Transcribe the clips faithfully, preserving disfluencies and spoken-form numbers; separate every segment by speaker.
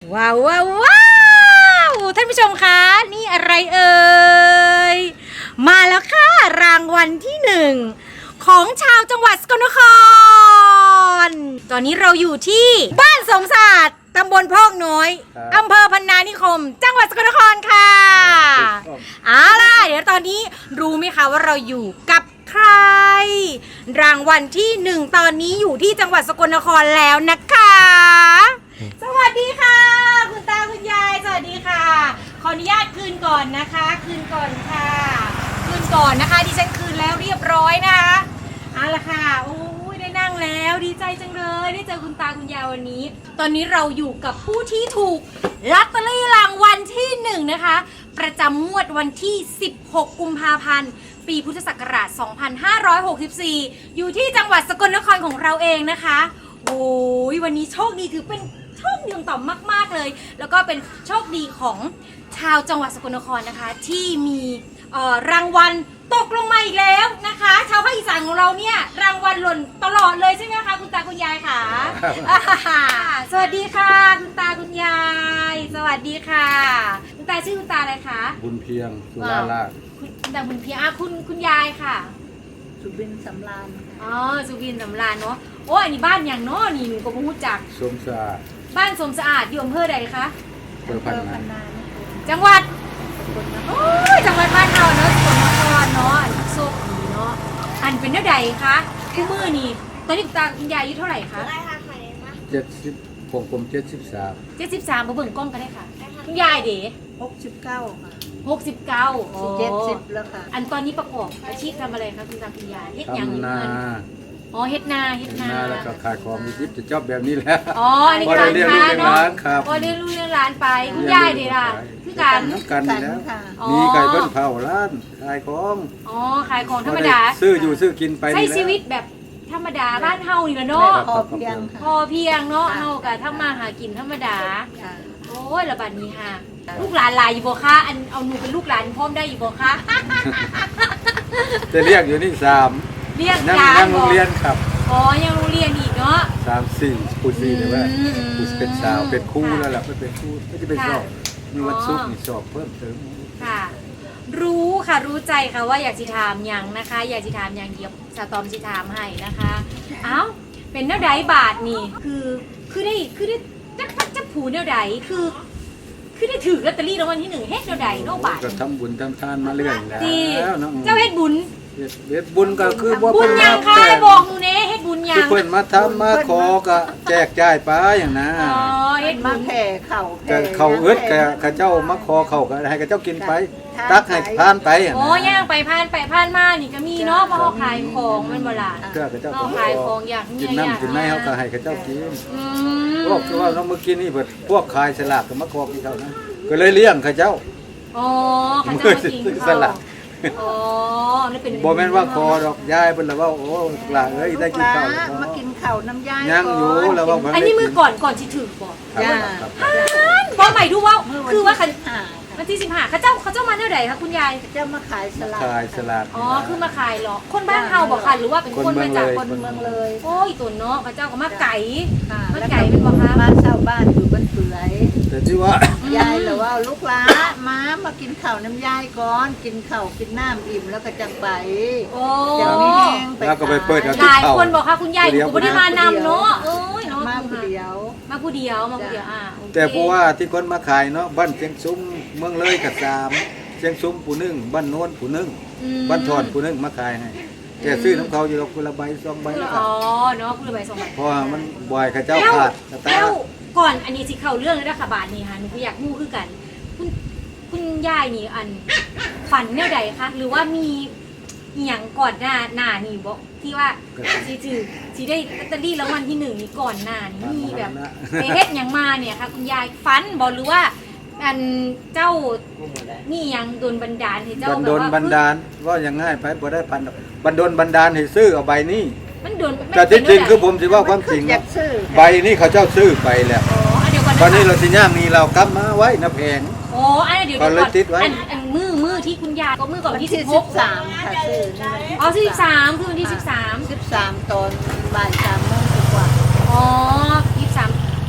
Speaker 1: ว้าวว้าวว้าวท่านผู้ชมคะนี่อะไรเอ่ยมาแล้วค่ะรางวัลที่หนึ่งของชาวจังหวัดสกลนครตอนนี้เราอยู่ที่บ้านสมศาสตร์ตำบลพอกน้อยอำเภอพนานิคมจังหวัดสกลนครค่ะเอาล่ะเดี๋ยวตอนนี้รู้ไหมคะว่าเราอยู่กับใครรางวัลที่หนึ่งตอนนี้อยู่ที่จังหวัดสกลนครแล้วนะคะสวัสดีค่ะคุณตาคุณยายสวัสดีค่ะขออนุญาตคืนก่อนนะคะคืนก่อนค่ะคืนก่อนนะคะดิฉันคืนแล้วเรียบร้อยนะคะเอาละค่ะโอ้ยได้นั่งแล้วดีใจจังเลยได้เจอคุณตาคุณยายวันนี้ตอนนี้เราอยู่กับผู้ที่ถูกลอตเตอรี่รางวัลที่หนึ่งนะคะประจำงวดวันที่สิบหกกุมภาพันธ์ปีพุทธศักราชสองพันห้าร้อยหกสิบสี่อยู่ที่จังหวัดสกลนครของเราเองนะคะโอ้ยวันนี้โชคดีถือเป็นโชคดีของต่อมมากๆเลยแล้วก็เป็นโชคดีของชาวจังหวัดสกลนครนะคะที่มีรางวัลตกลงมาอีกแล้วนะคะชาวภาคอีสานของเราเนี่ยรางวัลหล่นตลอดเลยใช่ไหมคะคุณตาคุณยายค่ะ สวัสดีค่ะคุณตาคุณยายสวัสดีค่ะคุณตาชื่อคุณตาอะไรคะ
Speaker 2: บุญเพียงสุราราช
Speaker 1: คุณตาบุญเพียงอ่ะคุณคุณยายค่ะ
Speaker 3: สุบินสำราญ
Speaker 1: อ๋อสุบินสำราญเนาะโอ้อันนี้บ้านอย่างเนาะนี่หนูก็ไม่รู้จัก
Speaker 2: สมสะอาด
Speaker 1: บ้านสมสะอาดอยู่อำเภอใดคะ
Speaker 2: อำเภอพันนา
Speaker 1: จังหวัดโอ้ยจังหวัดบ้านเราเนาะสกลนครเนาะโชคดีเนาะอันเป็นเท่าใดคะคู่มือนี่ตอนนี้คุณตาคุณยายอายุเท่าไหร่คะ
Speaker 2: เจ็ดสิบผมผมเจ็ดสิบสาม
Speaker 1: เจ็ดสิบสามมาเบิ่งกล้องกันได้ค่ะคุณยายเด๋
Speaker 3: หกสิบเก้าค่ะ
Speaker 1: หกสิบเก้า
Speaker 3: เจ็ดสิบแล้วค่ะ
Speaker 1: อันตอนนี้ประกอบอาชีพทำอะไรคะคุณตาคุณยายเฮ็ดยัง
Speaker 2: นา
Speaker 1: อ๋อเฮ็ดนาเฮ็ดนา
Speaker 2: แล้วก็ขายของมีทิปจะชอบแบบนี้แหละ
Speaker 1: อ๋ออันนี้การค้าเนาะพอเรียนรู้เรียนร้านไปคุณยายเด๋ล่ะคือการ
Speaker 2: น้ำกันนี่แล้วมีไก่เบิ้ลเผาร้านขายของ
Speaker 1: อ๋อขายของธรรมดา
Speaker 2: ซื้ออยู่ซื้อกินไป
Speaker 1: ใช้ชีวิตแบบธรรมดาบ้านเฮานี่แหละเนาะ
Speaker 3: พอเพียง
Speaker 1: พอเพียงเนาะเฮาก็ทำมาหากินธรรมดาโอ้ยระบาดนี้ค่ะลูกหลานหลายอยู่บ่คะอันเอาหนูเป็นลูกหลานพร้อมได้อยู่บ่คะ
Speaker 2: จะเรียกอยู่นี่สาม
Speaker 1: เรียก
Speaker 2: สามยังโรงเรียนครับ
Speaker 1: อ๋อยังโรงเรียนอีกเนาะ
Speaker 2: สามสี่ปูสี่เลยว่าปูเป็นสาวเป็นคู่แล้วล่ะไม่เป็นคู่ไม่จะเป็นสอบมีวันศุกร์มีสอบเพิ่มเติม
Speaker 1: ค่ะรู้ค่ะรู้ใจค่ะว่าอยากสิถามอย่างนะคะอยากสิถามอย่างเดียวสตอมสิถามให้นะคะเอ้าเป็นแนวใดบาทนี่คือคือได้คือได้จักจักผูแนวใดคือคือได้ถือลอตเตอรี่รางวัลที่หนึ่งเฮ็ดแนวใดเนาะบาท
Speaker 2: ก็ทำบุญทำทานมาเรื่อยแล้ว
Speaker 1: เจ้าเฮ็ดบุญ
Speaker 2: เฮ็ดบุญก็คือว่า
Speaker 1: บุญยังค่ะบอกหนูเน่เฮ็ดบุญยัง
Speaker 2: เพิ่นมาทำมาขอก็แจกจ่ายไปอย่างนั้น
Speaker 1: อ๋อเฮ็ด
Speaker 3: มาแผ่เข่า
Speaker 2: แผ่เข่าเอิดกะเจ้ามาขอเข่าก็ให้กะเจ้ากินไปตักให้ผ่านไป
Speaker 1: อ๋อย่างไปผ่านไปผ่านมานี่ก็มีเนาะเพราะเขาขายของมันบ่ล่ะ
Speaker 2: ก็กะเจ้า
Speaker 1: ขายของอยาก
Speaker 2: กินน้ำกินไม้เขาก็ให้กะเจ้ากินพวกคือว่าน้องเมื่อกี้นี่เพิ่นพวกขายสลากก็มาขอกินเท่านั้นก็เลยเลี้ยงเขาเจ้า
Speaker 1: อ๋อเขาเจ้ามากิน
Speaker 2: สลาก
Speaker 1: อ๋อนี่เป็น
Speaker 2: บ่แม่นว่าคอดอกยายเพิ่นละว่าโอ้หลานเอ้ยได้กินข้าว
Speaker 3: มากินข้าวน้ำยาย
Speaker 2: ยังอยู่แล้วว่า
Speaker 1: อันนี้มือก่อนก่อนสิถึงบ่
Speaker 3: ย่า
Speaker 1: บ่ใหม่ดูว่าคือว่าคันวันที่สิบห้าเขาเจ้าเขาเจ้ามาแนวใดคะคุณยาย
Speaker 3: เจ้ามาขายสลาก
Speaker 2: ขายสลาก
Speaker 1: อ๋อคือมาขายเหรอคนบ้านเฮาบ่คะหรือว่าเป็นคนมาจาก
Speaker 3: คนเมืองเลย
Speaker 1: โอ้ยตุ่นเนาะเขาเจ้าก็มาไก่มาไก่เป็นบ่คะ
Speaker 3: มาเช่าบ้านอยู่บ้านเปื่อย
Speaker 2: แต่ที่ว่าย
Speaker 3: ายหรือว่าลูกหลามามากินข้าวน้ำยายก่อนกินข้าวกินน้ำอิ่มแล้วก็จังไป
Speaker 1: โอ้
Speaker 3: จะไม่แห้งไป
Speaker 2: แล้วก็ไปเปิด
Speaker 1: หลายคนบอกค่ะคุณยายอยู่บ่ได้มานำเนาะเอ้ยเนาะ
Speaker 3: มาผู้เดียว
Speaker 1: มาผู้เดียวมาผู้เดียวอ่า
Speaker 2: แต่เพราะว่าที่คนมาขายเนาะบ้านเชียงซุ้มเมืองเลยกับสามเชียงซุ้มผู้นึงบ้านโน้นผู้นึงบ้านทอนผู้นึงมาขายให้แต่ซื้อน้ำเขาอยู่คนละใบสองใบ
Speaker 1: อ๋อเนาะคนละใบสองใบ
Speaker 2: เพราะมันบ่อยข้าเจ้าขาด
Speaker 1: แล้วก่อนอันนี้สิเข้าเรื่องเลยนะค่ะบาทนี่ค่ะหนูก็อยากรู้คือกันคุณคุณยายนี่อันฝันแนวใดคะหรือว่ามีอย่างก่อนหน้าหน้านี่บอกที่ว่าสิถือสิได้ลอตเตอรี่รางวัลที่หนึ่งนี่ก่อนหน้านี่มีแบบไปเฮ็ดอย่างมาเนี่ยค่ะคุณยายฝันบอกหรือว่าอันเจ้านี่ยังโดนบันดาลให้เจ้าแบบว่า
Speaker 2: โดนบันดาลว่าอย่างง่ายไปบ่ได้พันบันโดนบันดาลให้ซื้อเอาใบนี้
Speaker 1: มันโดน
Speaker 2: แต่จริงๆคือผมสิว่าความจริงใบนี้เขาเจ้าซื้อไปแล้วตอนนี้เราสิย่างนี่เรากำมาไว้นะแพง
Speaker 1: โอ้อันเดี๋ยวก่อนอันมือมือที่คุณยายก็มือก่อนที่สิบหก
Speaker 3: สามค่ะซื้อ
Speaker 1: อ๋อสิบสามคือวันที่สิบสาม
Speaker 3: สิบสามตอนบ่ายสามโมงกว่า
Speaker 1: อ๋อยี่สิบสามแล้วคุณคุณ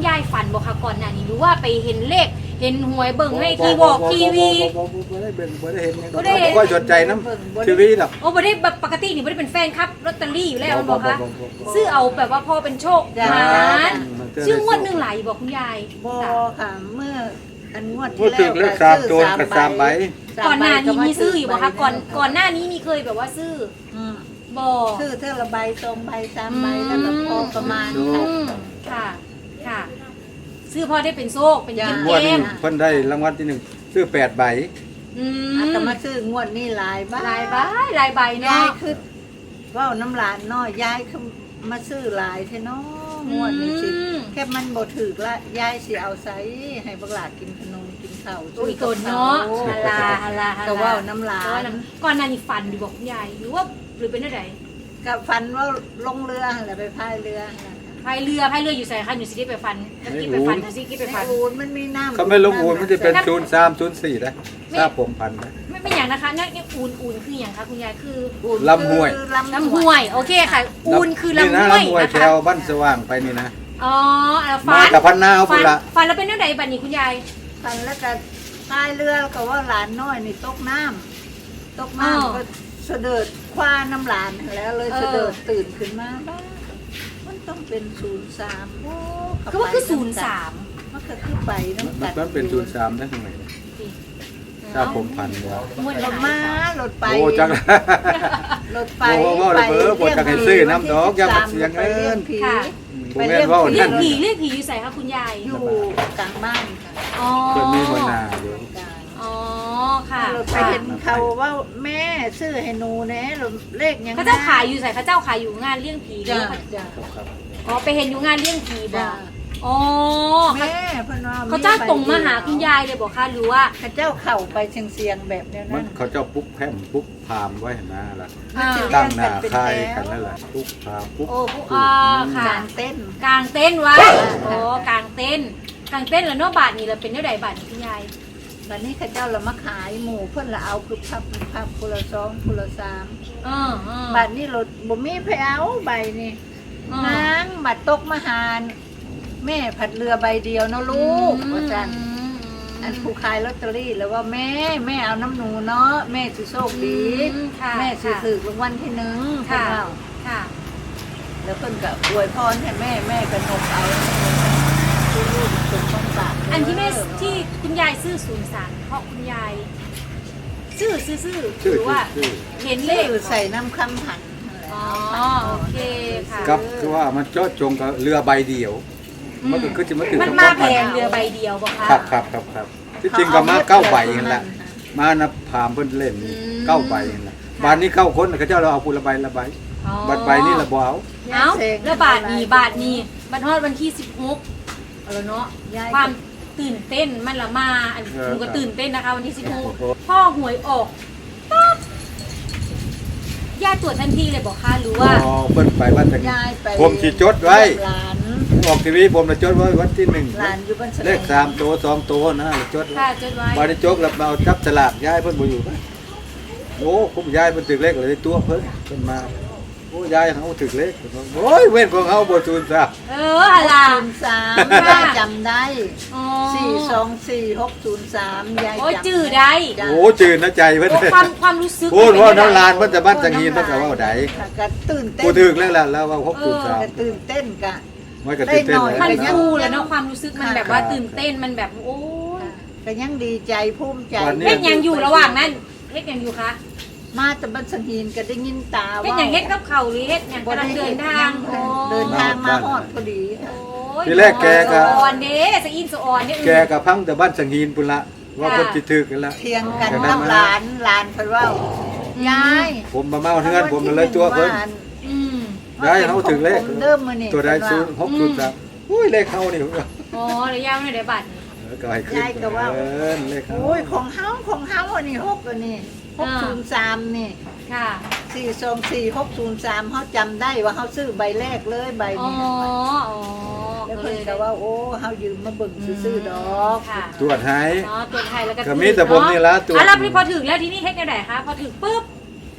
Speaker 1: ยายฝันบอกค่ะก่อนหน้านี้หรือว่าไปเห็นเลขเห็นหวยเบิ่งในทีวอกทีวี
Speaker 2: บ่ได้เบิ่งบ่ได้เห็น
Speaker 1: บ่ได้เห็น
Speaker 2: บ่ค่อยสนใจน้ำทีวีดอก
Speaker 1: โอ้บ่ได้แบบปกตินี่บ่ได้เป็นแฟนครับลอตเตอรี่อยู่แล้วมันบอกคะ
Speaker 2: บ่บ่บ่บ่
Speaker 1: ซื้อเอาแบบว่าพอเป็นโชค
Speaker 3: จ้า
Speaker 1: หมาน
Speaker 2: มันเจอ
Speaker 1: ชื่องวดหนึงหลายบอกคุณยาย
Speaker 3: บอค่ะเมื่ออันงวด
Speaker 2: พู
Speaker 3: ที่
Speaker 2: ด
Speaker 3: แล้ว
Speaker 2: ถึงเลขสามตัวกับสามใบ
Speaker 1: ก่อนหน้านี้มีซื้ออยู่บอกคะก่อนก่อนหน้านี้มีเคยแบบว่าซื้อ
Speaker 3: อืม
Speaker 1: บอก
Speaker 3: ซื้อเท่าละใบสองใบสามใบแล้วก็พอประมาณ
Speaker 1: อื
Speaker 3: ค่ะ
Speaker 1: มค่ะค่ะ ซื้อพอได้เป็นโชคเป็น
Speaker 3: จ้า
Speaker 1: กิน
Speaker 2: ง
Speaker 1: เก
Speaker 2: วดนี้
Speaker 1: ม
Speaker 2: เพิ่นได้รางวัลที่หนึ่งซื้อแปดใบ
Speaker 1: อืม
Speaker 3: อาตมาซื้องวดนี้หลายใบ
Speaker 1: ลายใบลายใบ
Speaker 3: ยา
Speaker 1: เนาะ
Speaker 3: ยคือเว่าน้ำหลานน้อยยายคือมาซื้อหลายเท่เนาะงวดนี้สิ
Speaker 1: อืม
Speaker 3: แค่มันบ่ถึกละยายสิเอาไสให้บักหลากินขนมกินข้าว
Speaker 1: โอ้ยโกนเนาะฮาลาฮาลาฮาลา
Speaker 3: ก็เว่าน้ำหลา
Speaker 1: แต่ว่าน น้ำก่อนหน้านี้ฝันอยู่บอกคุณยายหรือว่าหรือเป็นอะไร
Speaker 3: กับฟันว่าลงเรือหั่นแหละไปพายเรือหั่นแหละ
Speaker 1: พายเรือพายเรืออยู่ใส่คันอยู่สิที่ไปฟันแล้วกินไปฟันแล้วสิกินไป
Speaker 3: ใน
Speaker 1: ฟัน
Speaker 3: อูนมันมีน้ำ
Speaker 2: เขาไม่ลงอูนมันจะเป็นศูนย์สามศูนย์สี่นะทราบผมพันนะ
Speaker 1: ไม่ไม่อย่างนะคะเนี่ยเนี่ยอูนอูนคืออย่างคะคุณยายคือ
Speaker 3: อูน
Speaker 2: ลำห้วย
Speaker 3: คือ
Speaker 1: ลำห้วยโอเคค่ะ อูนคือลำห้วย
Speaker 2: นี่นะลำห้วย
Speaker 1: นะ
Speaker 2: แถ
Speaker 1: คะ
Speaker 2: วบ้านสว่างไปนี่นะ
Speaker 1: อ๋อแล้วฟั
Speaker 2: มาน กับพันนาเอา
Speaker 1: ฟั
Speaker 2: พุ่นละ
Speaker 1: ฟันแล้วเป็นเรื่องใดบัดนี้คุณยาย
Speaker 3: ฟันแล้วก็พายเรือก็ว่าหลานน้อยนี่ตกน้ำตก
Speaker 1: อ้าว
Speaker 3: น้ำก็เสด็จคว้าน้ำหลานแล้วเลย
Speaker 1: เออ
Speaker 3: เสด็จตื่นขึ้นมาบ้ามันต้องเป็นศูนย์สามโอ้
Speaker 1: คือว่าคือศูนย์สาม
Speaker 3: มันก็คือไปน้ำ
Speaker 2: มั
Speaker 3: กัน
Speaker 2: นเป็นศูนย์สามได้ทำไมทราบผมพันแล้ว
Speaker 1: งวด
Speaker 3: ร
Speaker 1: ละ
Speaker 3: ถ
Speaker 1: มา
Speaker 3: ม้ารถไป
Speaker 2: โอ้จัง
Speaker 3: รถไป
Speaker 2: โอ้ว่าเลยเบอร์บ่จักให้ซื้อน้ำดอกอย่ามาเสียเงิน
Speaker 3: ไปเลี้ยงผี
Speaker 2: ผมแม่นว่า
Speaker 1: เรีย
Speaker 2: นั่
Speaker 1: ก
Speaker 2: น
Speaker 1: ผีเรียกผีอยู่ใส่คะคุณยาย
Speaker 3: อยู่กลางบ้านค่ะ
Speaker 1: อ๋อ
Speaker 2: เพิ่นมีหัวหน้าอยู่
Speaker 3: กลาง
Speaker 1: อ๋อค่ะ
Speaker 3: รถไปเห็นเขาว่าแม่ซื้อให้หนูแน่เลขยัง
Speaker 1: เขาเจ้าขายอยู่ใส่เขาเจ้าขายอยู่งานเลี้ยงผีหรือ
Speaker 3: จ้า
Speaker 1: ว่า
Speaker 3: จ้า
Speaker 2: ครับ
Speaker 1: อ๋อไปเห็นอยู่งานเลี้ยงผีบ่
Speaker 3: จ้า
Speaker 1: อ๋อ
Speaker 3: แม่เพิ่นว่า
Speaker 1: เขาเจ้าตรงมาหาคุณยายเลยบอกค่ะหรือว่า
Speaker 3: เขาเจ้าเข่าไปเชียงเสียงแบบเนี้ย
Speaker 2: มั
Speaker 3: นั่
Speaker 2: น
Speaker 3: น
Speaker 2: เขาเจ้าปุ๊บแพมปุ๊บพามไว้เห็นหน้าละ
Speaker 1: อ่า
Speaker 2: ตั้งหน้าคายกันนั่นแหละปุ๊บพามปุ๊บ
Speaker 1: โอ้ผู้อ่าค่ะ
Speaker 3: กลางเต้น
Speaker 1: กลางเต้นท์ไว้โอ้กลางเต้นท์กลางเต้นท์แล้วเนาะบาทนี่เราเป็นเท่าใดบาทนี่คุณยาย
Speaker 3: วันนี้เขาเจ้าละมาขายหมูเพิ่นละเอาคือพับพับคนละสองคนละสาม
Speaker 1: เออเออ
Speaker 3: บัดนี้รถบ่มีไผเอาใบนี่
Speaker 1: เออน
Speaker 3: างบัดตกมาหารแม่ผัดเรือใบเดียวเนาะลูกว่าจัน
Speaker 1: อืม
Speaker 3: อันผู้ขายลอตเตอรี่แล้วว่าแม่แม่เอาน้ำหนูเนาะแม่สิโชคดี
Speaker 1: อืมค่ะ
Speaker 3: แม่สิ
Speaker 1: ค่ะ
Speaker 3: ถูกรางวัลที่หนึ่งเพิ่น
Speaker 1: ค่ะ
Speaker 3: เอา
Speaker 1: ค่ะ
Speaker 3: แล้วเพิ่นก็อวยพรให้แม่แม่ก็นกเอาลูกสมต้องปาก
Speaker 1: อันที่แม่ที่คุณยายซื้อศูนย์สามเพราะคุณยาย ซื้อซื้อซื้อห
Speaker 2: ชื่อ
Speaker 1: รือว่า
Speaker 2: ชื่อ
Speaker 1: เห็น
Speaker 3: เล
Speaker 1: เล
Speaker 3: ข
Speaker 1: ข
Speaker 3: ใส่น้ำคำผันนั่นแหละ
Speaker 1: อ๋อโอเคค่ะ
Speaker 2: กับคือว่ามันเจาะจงกับเรือใบเดียว มันก็คือจะมาถึง
Speaker 1: มัน
Speaker 2: กับ
Speaker 1: มา
Speaker 2: ความ
Speaker 1: แพงเรือใบเดียวบ่คะ
Speaker 2: ครับครับครับครับที่จริงก็มาเก้าใบนั่นแหละมานะพามเพิ่นเล่น
Speaker 1: อืม
Speaker 2: เก้าใบนั่นแหละบานนี้เก้าคนเขาเจ้าเราเอาผู้ละใบละใบ
Speaker 1: อ๋อ
Speaker 2: บัตรใบนี่ละบ่เอา
Speaker 1: เอ้าแล้วบาทนี้บาทนี้บัตรทอดวันที่สิบหกเอาละเนาะ
Speaker 3: ยาย
Speaker 1: ความตื่นเต้นมันละมาอัน
Speaker 2: เออ
Speaker 1: หนูก็ตื่นเต้นนะคะ วันที่สิบหก
Speaker 2: โอ้โห
Speaker 1: พ่อหวยออกปั๊บย่าตรวจทันทีเลยบอกค่ะหรือว่า
Speaker 2: อ๋อเพิ่นไปบ้านตะกี้
Speaker 3: ยายไป
Speaker 2: ผมสิจดไว้
Speaker 3: หลาน
Speaker 2: ออกทีวีผมจะจดไว้วันที่หนึ่ง
Speaker 3: หลานอยู่บ้านสะ
Speaker 2: เลขสามตัวสองตัวนะจดไว้
Speaker 1: ค่ะจดไว้
Speaker 2: บาได้จกแล้วมาเอาจับสลากย้ายเพิ่นบ่อยู่ปะโอ้ผมย้ายเพิ่นถึกเลขเลยตัวเพิ่นเพิ่นมาโอ้ย้ายเฮาถึกเลขโอ้ยเว้นของเฮาบ่ซูนซะ
Speaker 1: เอออะไร
Speaker 3: ศูนย์สาม
Speaker 1: ค่ะ
Speaker 3: ยายจำได้
Speaker 1: อ๋อ
Speaker 3: สี่สองสี่หกศูนย์สามยาย
Speaker 1: โอ้ย
Speaker 3: จำ
Speaker 1: จื้อได้
Speaker 3: จ้ะ
Speaker 2: โอ้จืดนะใจเพิ่น
Speaker 1: โอ้ความความรู้สึก
Speaker 2: โอ้ว่าน้ำลาน
Speaker 1: มั
Speaker 2: เพิ่นจะบ้านสังหีนเพิ่นก็เว้าได้
Speaker 3: ค่ะก็ตื่นเต้น
Speaker 2: กูถึกแล้วล่ะแล้วว่าหกศูนย์สาม
Speaker 3: ก็ตื่นเต้นกะ
Speaker 2: มันก็ตื่นเต้น
Speaker 3: ได้หน่อย
Speaker 1: มัน
Speaker 2: แล้ว
Speaker 1: ฟูแล้วเนาะความรู้สึกมันแบบว่าตื่นเต้นมันแบบโอ้ย
Speaker 3: ก็ยังดีใจภูมิใจ
Speaker 2: วันนี้
Speaker 1: เฮ็ดหยังอยู่ระหว่างนั้นเฮ็ดหยังอยู่คะ
Speaker 3: มาแต่บ้านสังหินก็ได้ยินตา
Speaker 1: เฮ็ด
Speaker 3: ว่า
Speaker 1: หยังเฮ็ดกับเขาหรือเฮ็ดหยัง
Speaker 3: บ่
Speaker 1: กำลังเดินทาง
Speaker 3: ฮ็
Speaker 1: โอ้
Speaker 3: เดินทางมาฮอดพอดีค่ะ
Speaker 1: โอ้ย
Speaker 2: ทีแรกแกก็
Speaker 1: สะออนเด้สะอินสะออนเนี่ย
Speaker 2: แกก็พังแต่บ้านสังหีนพุ่นละว่าเพิ่นสิถึกกันละ
Speaker 3: เทียงกัน
Speaker 2: จากนั้น
Speaker 3: กับ
Speaker 2: มา
Speaker 3: หลานหลานเพิ่นว่ายาย
Speaker 2: ผมมาเมาเฮือนผมเลยตัวเพิ่น
Speaker 1: อืม
Speaker 2: ย้ายเฮาถึกเลข
Speaker 3: ผมเริ่มมื้อนี้
Speaker 2: ตัวใดศูนย์หกศูนย์สามอุ้ยเลขเฮานี่
Speaker 1: อ๋อระยะไม่ได้บัตรนี่
Speaker 2: เออก็ให้ขึ้นเออเลขเฮา
Speaker 3: โอ้ยของเฮาของเฮาอันนี้หกอันนี้หกศูนย์สามนี่
Speaker 1: ค่ะ
Speaker 3: สี่สองสี่หกศูนย์สามเขาจำได้ว่าเขาซื้อใบแรกเลยใบ
Speaker 1: อ๋อ
Speaker 3: นี้
Speaker 1: อ๋อ
Speaker 3: แล้ว
Speaker 1: ก็
Speaker 3: เพิ่น
Speaker 1: เลย
Speaker 3: ก็ว่าโอ้เขายืมมาเบิ่งซื้อๆดอก
Speaker 1: ค่ะ
Speaker 2: ตรวจให้
Speaker 1: อ๋อตรวจไทยแล้วก็
Speaker 2: ก็มีแต่ผมนี่ละตรวจ
Speaker 1: อ่ะแล้วพี่พอถึงแล้วที่นี่เฮ็ดยังไงคะพอถึงปุ๊บ
Speaker 2: ป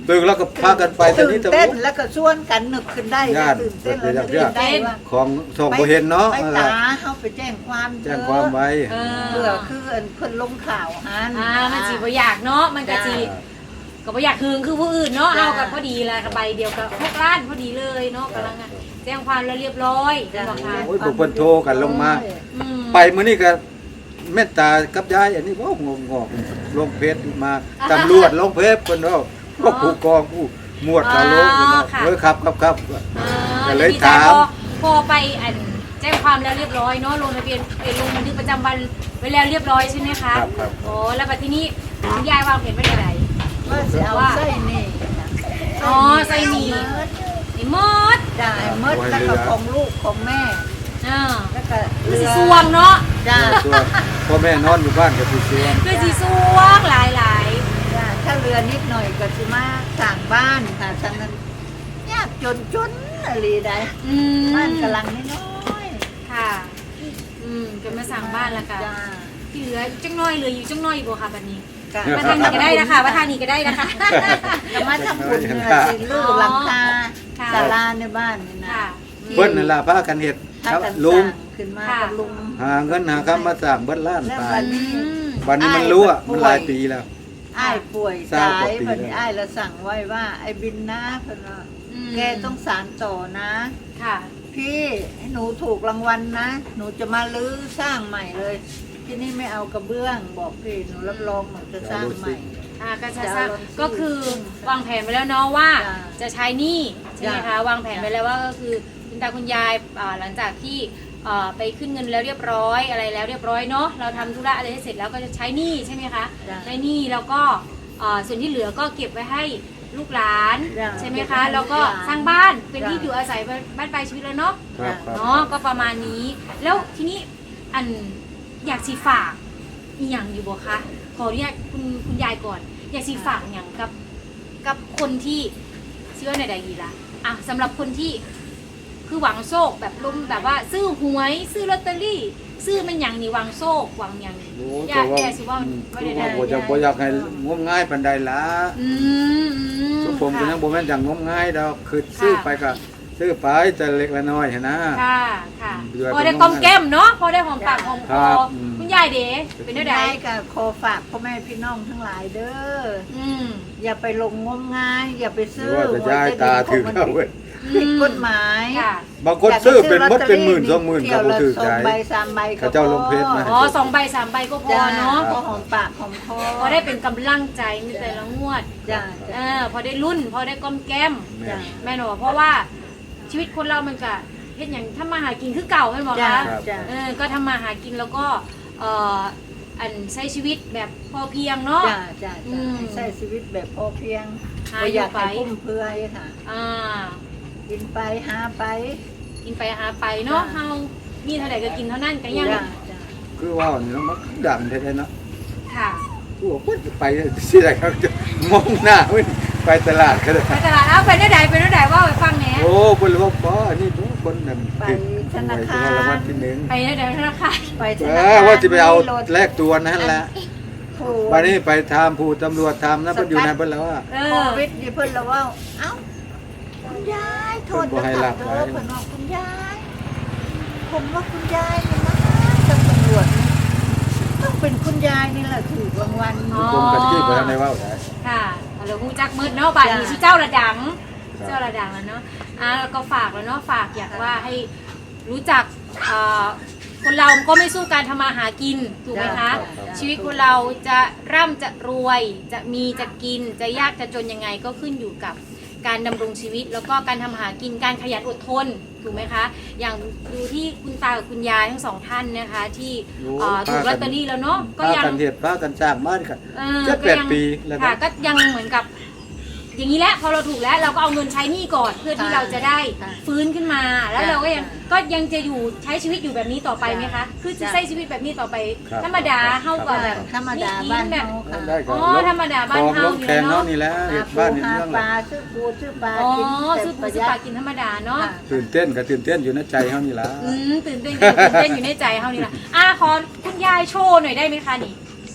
Speaker 2: ตื่นแล้วก็พากันไปแต่
Speaker 3: ตื่
Speaker 2: นี้
Speaker 3: น
Speaker 2: แต่
Speaker 3: เต้น
Speaker 2: ว่า
Speaker 3: แล้วก็ชวนกันนึกขึ้นได้
Speaker 2: ญาติ
Speaker 3: ตื่นเต้นแล้ว
Speaker 2: เดี๋
Speaker 3: นึ
Speaker 2: ยว
Speaker 3: กได้ว่า
Speaker 2: ของสองบ่เห็นเนาะ
Speaker 3: ไปตาเขาไปแจ้งความ
Speaker 2: แจ้งความไว้
Speaker 1: เออ
Speaker 3: เพื่อคือเอิ้นเพิ่นลงข่าวหัน
Speaker 1: อ่ามันจีบ่อยากเนาะมันก็จีก็บ่อยากคืนคือผู้อื่นเนาะเอากันพอดีแหละใบเดียวกับพวกร้านพอดีเลยเนาะกำลังอะแจ้งความแล้วเรียบร้อยเป็นบอกค่ะ
Speaker 2: โอ้ยพวกเพิ่นโทรกันลงมา
Speaker 1: อืม
Speaker 2: ไปมื้อนี้ก็แม่ตากับยายอันนี้ว่างงอกๆลงเพจมาตำรวจลงเพจเพิ่นเนาะพวกผู้กองผู้หมวดก็ลงเพิ่นเนาะเออครับครับครับ
Speaker 1: อ่า
Speaker 2: ก็เลย
Speaker 1: ดีใจ
Speaker 2: ถาม
Speaker 1: พอพอไปอันแจ้งความแล้วเรียบร้อยเนาะลงทะเบียนไปลงบันทึกประจำวันไว้แล้วเรียบร้อยใช่ไหมคะ
Speaker 2: ครับครับ
Speaker 1: โอ้แล้วบัดทีนี้คุณยายวางแผนไว้ยังไง
Speaker 3: ว่าสิเอาไส้นี่
Speaker 1: อ๋อไส้หมี่ ไอ้มด
Speaker 3: จ้าไอ้มดแล้วก็ของลูกของแม่
Speaker 1: อ่า
Speaker 3: แล้วก็
Speaker 1: คือ
Speaker 3: เรื
Speaker 1: สี
Speaker 3: อ
Speaker 1: สวงเนาะ
Speaker 3: จ้า
Speaker 2: ส่วนพ่อแม่นอนอยู่บ้านก็สิเสีย
Speaker 1: คือสีสวงหลายหลาย
Speaker 3: จ้าถ้าเรือนิดหน่อยก็สิมาสร้างบ้านค่ะทางนั้นยากจนจนอะไรได้
Speaker 1: ๆอืม
Speaker 3: บ้านกำลังน้อย
Speaker 1: ค่ะ อืมจะมาสั่งบ้านแล้วค่ะ
Speaker 3: จ้า
Speaker 1: ที่เหลืออยู่จังน้อยเหลืออยู่จังน้อยบ่ค่ะบัดนี้
Speaker 3: ก็
Speaker 1: มาทางนี้ก็ได้นะคะมาทางนี้ก็ได้นะคะ
Speaker 3: ก็มาทำบุญเนี่ยสิลูกหลังคา
Speaker 1: ค่ะ
Speaker 3: ศาลาในบ้านนี่นะ
Speaker 1: ค่ะ
Speaker 2: เพิ่นนั่นล่ะพากันเฮ็ด
Speaker 3: ถ้า
Speaker 2: ครับ
Speaker 3: กัน
Speaker 2: ลุง
Speaker 3: สร้างขึ้นมากับลุง
Speaker 2: หาเงินหาคำมาสร้างเบิดล้าน
Speaker 3: แล้ว
Speaker 2: ตา
Speaker 3: วั
Speaker 2: ย
Speaker 3: นนี้
Speaker 1: อืม
Speaker 2: วันนี้มันรู้อ่ะมันหลายปีแล้ว
Speaker 3: อ้ายป่วย
Speaker 2: ทราบ
Speaker 3: ตาก
Speaker 2: ว่าย ปี
Speaker 3: วันนี้
Speaker 2: แล้ว
Speaker 3: อ้ายเราสั่งไว้ว่า ไอ้บินนะเพิ่นว่า
Speaker 1: อืม
Speaker 3: แกต้องสารต่อนะ
Speaker 1: ค่ะ
Speaker 3: พี่ให้หนูถูกรางวัลนะ หนูจะมาลื้อสร้างใหม่เลย ที่นี่ไม่เอากระเบื้อง บอกพี่หนูรับรองหนูจะสร้างใหม่
Speaker 1: อ่าก็จะ
Speaker 3: จะ
Speaker 1: สร้าง
Speaker 3: เอาลงที่
Speaker 1: ก็คือวางแผนไว้แล้วเนาะว่า
Speaker 3: จ้ะ
Speaker 1: จะใช้หนี้ใช่ไหม
Speaker 3: จ้ะ
Speaker 1: คะวางแผนไว้แล้วว่าก็คือคุณตาคุณยายอ่าหลังจากที่อ่าไปขึ้นเงินแล้วเรียบร้อยอะไรแล้วเรียบร้อยเนาะเราทำธุระอะไรให้เสร็จแล้วก็จะใช้หนี้ใช่ไหมคะ
Speaker 3: จ้ะ
Speaker 1: ใช้หนี้แล้วก็อ่าส่วนที่เหลือก็เก็บไว้ให้ลูกหลาน
Speaker 3: จ้ะ
Speaker 1: ใช่ไหม
Speaker 3: เก็บไว้
Speaker 1: คะ
Speaker 3: ให้
Speaker 1: แล้วก็
Speaker 3: ลูกหลาน
Speaker 1: สร้างบ้านเป็น
Speaker 3: จ้ะ
Speaker 1: ที่อยู่อาศัยบ้านปลายชีวิตแล้วเนาะ
Speaker 2: ครับครับ
Speaker 1: เนาะก็ประมาณนี้ แล้วทีนี้อันอยากสีฝากอีหยังอยู่บ่คะขออนุญาตคุณคุณยายก่อน อยากสีฝากอย่างกับกับคนที่ชื่อว่าในใดดีละอ่ะสำหรับคนที่คือหวังโชคแบบลมแบบว่า ซื้อหวยซื้อลอตเตอรี่ ซื้อมันอย่างนี้หวังโชคหวังอย่างนี้
Speaker 2: โอ้
Speaker 1: อยาก
Speaker 2: แต่ว่า
Speaker 1: แก่สิว่า
Speaker 2: อืม
Speaker 1: ไม่
Speaker 2: คือ
Speaker 1: ได้
Speaker 2: ว่า
Speaker 1: ได้
Speaker 2: บ่จะบ่อยากให้งมง่ายปานใดล่ะ
Speaker 1: อืมอืม
Speaker 2: ทุกผมก็
Speaker 1: ค่ะ
Speaker 2: ยังบ่แม่นอย่างงมง่ายดอกคือซื้อไปก็ซื้อไปแต่เล็กละน้อยหันนะ
Speaker 1: ค่ะค่ะ
Speaker 2: เดือน
Speaker 1: พอได้กลมแก้มเนาะพอได้หอมปากหอมค
Speaker 2: ครั
Speaker 1: อบ
Speaker 2: อืม
Speaker 1: คุณยายเด๋เป็นได้ได
Speaker 3: ได้ก็ขอฝากพ่อแม่พี่น้องทั้งหลายเด้อ
Speaker 1: อืม
Speaker 3: อย่าไปลงงมงาย อย่าไปซื้อ
Speaker 2: ว่าจะย้ายตาถึงเอาเว้ย
Speaker 3: ผิดกฎหมาย
Speaker 1: ค่ะ
Speaker 2: บางคนซื้อเป็นมดเป็นหมื่นสองหมื่นก็บ่ถือ
Speaker 3: สอ
Speaker 2: ใจ
Speaker 3: งใบสามใบก็
Speaker 2: เขาเจ้าลงเพจมา
Speaker 1: อ๋อสองใบสามใบก็พอ
Speaker 3: จ้า
Speaker 1: เนาะ
Speaker 3: พอหอมปากหอมคอ
Speaker 1: พอได้เป็นกำลังใจมีแต่ละงวด
Speaker 3: จ้า
Speaker 1: เออพอได้รุ่น พอได้ก้อมแก้ม
Speaker 2: แม่
Speaker 3: จ้า
Speaker 1: แม่หนูเพราะว่าชีวิตคนเรามันก็เฮ็ดอย่างถ้ามาหากินคือเก่าแม่นบอก
Speaker 3: จ้า
Speaker 1: คะ
Speaker 3: จ้า
Speaker 1: เออก็ทำมาหากินแล้วก็เอ่ออันใช้ชีวิตแบบพอเพียงเนาะ
Speaker 3: จ้าจ้า
Speaker 1: อืม
Speaker 3: ใช้ชีวิตแบบพอเพียง
Speaker 1: หา
Speaker 3: บ่อยาก
Speaker 1: อยู่
Speaker 3: ให้
Speaker 1: ไป
Speaker 3: พุ่มเพรื่อยค่ะ
Speaker 1: อ่า
Speaker 3: กินไปหาไป
Speaker 1: กินไปหาไปเนาะ
Speaker 3: จ้ะ
Speaker 1: เฮามีเท่าไหร่ก็กินเท่านั้นก็ยัง
Speaker 3: จ้าจ้า
Speaker 2: คือว่านี่เนาะมันดังแท้ๆเนาะ
Speaker 1: ค่ะ
Speaker 2: กูว่าคนจะไปสิได้ครับจะมองหน้าเว้ยไปตลาดก็ได้
Speaker 1: ไปตลาดเอาไปได้ใดไปได้ใดว่าไปฟังแหน่
Speaker 2: โอ้บ่รู้ว่าบ่อันนี้บ่คนนั้น
Speaker 3: ไป
Speaker 2: ติด
Speaker 3: ธนาคาร
Speaker 2: รางวัลที่หนึ่ง
Speaker 1: ไปได้ใดธนาคาร
Speaker 3: ไปธ
Speaker 2: เอ
Speaker 3: นา
Speaker 2: อ
Speaker 3: คาร
Speaker 2: ว่าจะไปเอา
Speaker 3: มีรถ
Speaker 2: แลกตัวนั่นแหละ
Speaker 3: โอ้
Speaker 2: วันนี้ไปถามผู้ตำรวจถามนะเพิ่นอยู่นั่นเพิ่นแล้วว่า
Speaker 1: เอ
Speaker 3: โค
Speaker 1: อ
Speaker 3: วิดนี่เพิ่นละว่า เอ้า คุณยายโทษ
Speaker 2: เพิ่นบ่ให้รับ
Speaker 3: เด้
Speaker 2: ไว้
Speaker 3: อเพิ่นว่าคุณยาย ผมว่าคุณยายนี่นะตำรวจนี่ต้องเป็นคุณยายนี่แหละถูกรางวัล
Speaker 1: อ๋อ
Speaker 2: ผมกันที่บ่ทันได้เว้าได้
Speaker 1: ค่ะเราฮู้จักมืดเนาะบ่ายนี้
Speaker 3: จ้ะ
Speaker 1: ชื่อเจ้าระดัง
Speaker 2: ครับ
Speaker 1: เจ้าระดังแล้วเนาะอ่าแล้วก็ฝากแล้วเนาะฝากอยากว่าให้รู้จักเอ่อคนเราก็ไม่สู้การทำมาหากินถูกไหมคะ
Speaker 3: จ้ะ
Speaker 1: ชีวิตคนเราจะร่ำจะรวย จะมีจะกินจะยากจะจนยังไงก็ขึ้นอยู่กับการดำรงชีวิต แล้วก็การทำหากินการขยันอดทนถูกไหมคะ อย่างดูที่คุณตากับคุณยายทั้งสองท่านนะคะ ที่เอ่อถูกลอตเตอรี่แล้วเนาะก็
Speaker 2: พา
Speaker 1: ยัง
Speaker 2: กันเฮ็ดพากันสร้างบ้านกัน
Speaker 1: เออ
Speaker 2: เจ็ด
Speaker 1: ก็
Speaker 2: แปด
Speaker 1: ยัง
Speaker 2: ปีแล้ว
Speaker 1: ค่ะ
Speaker 2: นะ
Speaker 1: ก็ยังเหมือนกับ อย่างนี้แหละพอเราถูกแล้วเราก็เอาเงินใช้หนี้ก่อนเพื่อที่
Speaker 3: ค่ะ
Speaker 1: เราจะได้
Speaker 3: ค่ะ
Speaker 1: ฟื้นขึ้นมา แล้ว
Speaker 3: ค่ะ
Speaker 1: เราก็ยัง
Speaker 3: ค่ะ
Speaker 1: ก็ยังจะอยู่ใช้ชีวิตอยู่แบบนี้ต่อไปไหมคะ คือจะ
Speaker 3: ค่ะ
Speaker 1: ใช้ชีวิตแบบนี้ต่อไป
Speaker 2: ครับ
Speaker 1: ธรรมดาเฮาก็แบบ
Speaker 3: ธรรมดา
Speaker 1: กิ
Speaker 3: บ้าน
Speaker 1: แบบ
Speaker 3: เฮาค่ะ
Speaker 2: ได้ก็
Speaker 1: อ๋อธรรมดาบ้านเฮา
Speaker 2: ของลงแขนเนาะนี่แหละเฮ็ดบ้านนี่
Speaker 3: หา
Speaker 2: เรื่อง
Speaker 3: ป
Speaker 2: ละ
Speaker 3: ลาซื้อปูซื้อปลา
Speaker 1: อ๋อ
Speaker 3: กิน
Speaker 1: ซื้อปูซื้อปลากินธรรมดาเนาะ
Speaker 3: ค่ะ
Speaker 2: ตื่นเต้นก็ตื่นเต้นอยู่ในใจเฮานี่ล่ะ
Speaker 1: อืมตื่นเต้นตื่นเต้นอยู่ในใจเฮานี่ล่ะอ่ะขอคุณยายโชว์หน่อยได้ไหมคะนี่
Speaker 2: โ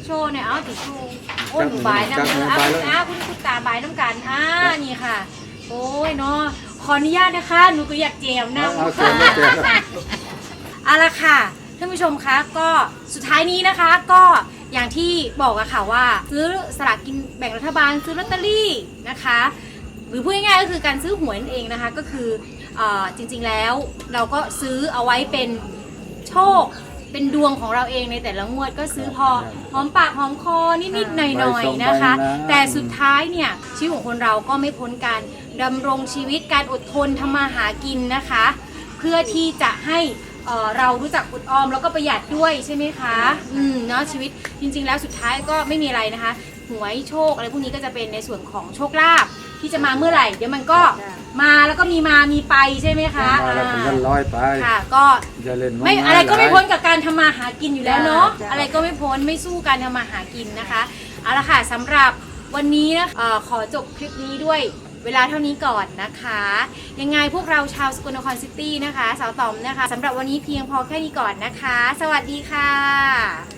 Speaker 1: โชว์เนี่ยเอาติดโชว์โอ้ยหนูบายนะเอออ่ะคุณอ่ะคุณคุณตาบายน้ำกันอ่านี่ค่ะ โอ้ยเนาะขออนุญาตนะคะหนูก็อยากแจมนะ
Speaker 2: เอาเชิญมาแจม
Speaker 1: เอาละค่ะท่านผู้ชมคะก็สุดท้ายนี้นะคะก็อย่างที่บอกอะค่ะว่าซื้อสลากกินแบ่งรัฐบาลซื้อลอตเตอรี่นะคะหรือพูดง่ายๆก็คือการซื้อหวยนั่นเองนะคะก็คือเอ่อจริงๆแล้วเราก็ซื้อเอาไว้เป็นโชคเป็นดวงของเราเองในแต่ละงวดก็ซื้อพอหอมปากหอมคอนิดๆหน่อยๆนะคะแต่สุดท้ายเนี่ยชีวิตของคนเราก็ไม่พ้นการดำรงชีวิตการอดทนทำมาหากินนะคะเพื่อที่จะให้เอ่อเรารู้จักอดออมแล้วก็ประหยัดด้วยใช่ไหมคะอืมเนาะชีวิตจริงๆแล้วสุดท้ายก็ไม่มีอะไรนะคะหวยโชคอะไรพวกนี้ก็จะเป็นในส่วนของโชคลาภที่จะมาเมื่อไหร่เดี๋ยวมันก็มาแล้วก็มีมามีไปใช่ไหมคะ
Speaker 2: มาแล้วเป็นเงินร้อยไป
Speaker 1: ค่ะก็
Speaker 2: อย่าเล่น
Speaker 1: ไม่
Speaker 2: งาย
Speaker 1: อะไรก็ไม่
Speaker 2: หลาย
Speaker 1: พ้นกับการทำมาหากินอยู่แล้วเนาะ
Speaker 3: จ้ะ
Speaker 1: อะไรก็ไม่พ้นไม่สู้การทำมาหากินนะคะเอาละค่ะสำหรับวันนี้นะเอ่อขอจบคลิปนี้ด้วยเวลาเท่านี้ก่อนนะคะ ยังไงพวกเราชาวสกลนครซิตี้นะคะสาวต๋อมนะคะสำหรับวันนี้เพียงพอแค่นี้ก่อนนะคะ สวัสดีค่ะ